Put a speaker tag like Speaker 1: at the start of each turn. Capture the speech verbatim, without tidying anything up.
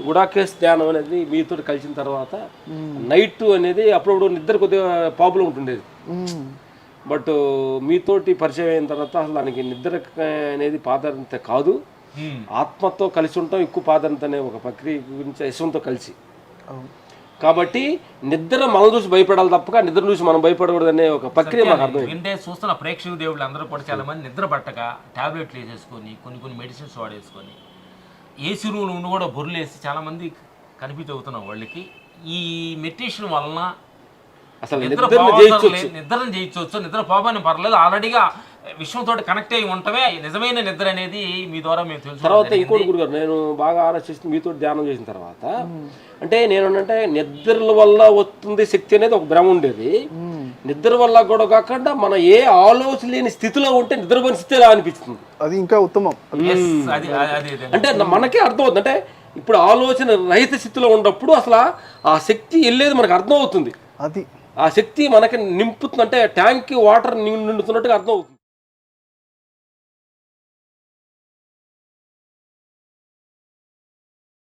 Speaker 1: గుడాకేశ్ ధ్యానం అనేది మీతో కలిసిన తర్వాత నైట్ అనేది అప్పుడప్పుడు నిద్ర కొద్దిగా ప్రాబ్లం ఉంటుండేది. బట్ మీతోటి పరిచయం అయిన తర్వాత అసలు దానికి నిద్ర అనేది ప్రాధాన్యత కాదు, ఆత్మతో కలిసి ఉంటాం ఎక్కువ ప్రాధాన్యత అనే ఒక ప్రక్రియ గురించి యశ్వంతో కలిసి. కాబట్టి నిద్ర మనం చూసి భయపడాలి తప్పక నిద్ర చూసి మనం భయపడకూడదు అనే ఒక ప్రక్రియ మాకు అర్థం.
Speaker 2: అంటే చూస్తున్న ప్రేక్షక దేవుళ్ళు అందరూ కూడా చాలా మంది నిద్ర పట్టక టాబ్లెట్లు వేసేసుకొని కొన్ని కొన్ని మెడిసిన్స్ వాడేసుకొని ఏసీ రూమ్ ఉండి కూడా బొర్రులేసి చాలా మంది కనిపించి అవుతున్నాం వాళ్ళకి. ఈ మెడిటేషన్ వలన
Speaker 1: అసలు
Speaker 2: నిద్ర నిద్రను జయించవచ్చు, నిద్ర పోవాలని పర్లేదు, ఆల్రెడీగా విశ్వంతో కనెక్ట్ అయ్యి ఉంటమే నిజమైన నిద్ర అనేది మీ ద్వారా మేము తెలుసు.
Speaker 1: తర్వాత ఇంకోటి గురుగారు, నేను బాగా ఆలోచిస్తూ మీతో ధ్యానం చేసిన తర్వాత అంటే నేను అంటే నిద్రల వల్ల వస్తుంది శక్తి అనేది ఒక భ్రమ ఉండేది. నిద్ర వల్ల కూడా కాకుండా మన ఏ ఆలోచన లేని స్థితిలో ఉంటే నిద్రపోయిన స్థితి ఎలా అనిపిస్తుంది,
Speaker 3: అది ఇంకా ఉత్తమం.
Speaker 1: అంటే మనకే అర్థం అవుతుంది. అంటే ఇప్పుడు ఆలోచన రహిత స్థితిలో ఉన్నప్పుడు అసలు ఆ శక్తి వెళ్ళేది మనకు అర్థం అవుతుంది.
Speaker 3: అది
Speaker 1: ఆ శక్తి మనకి నింపుతుంది, అంటే ట్యాంక్ వాటర్ నిండుతున్నట్టుగా అర్థం అవుతుంది.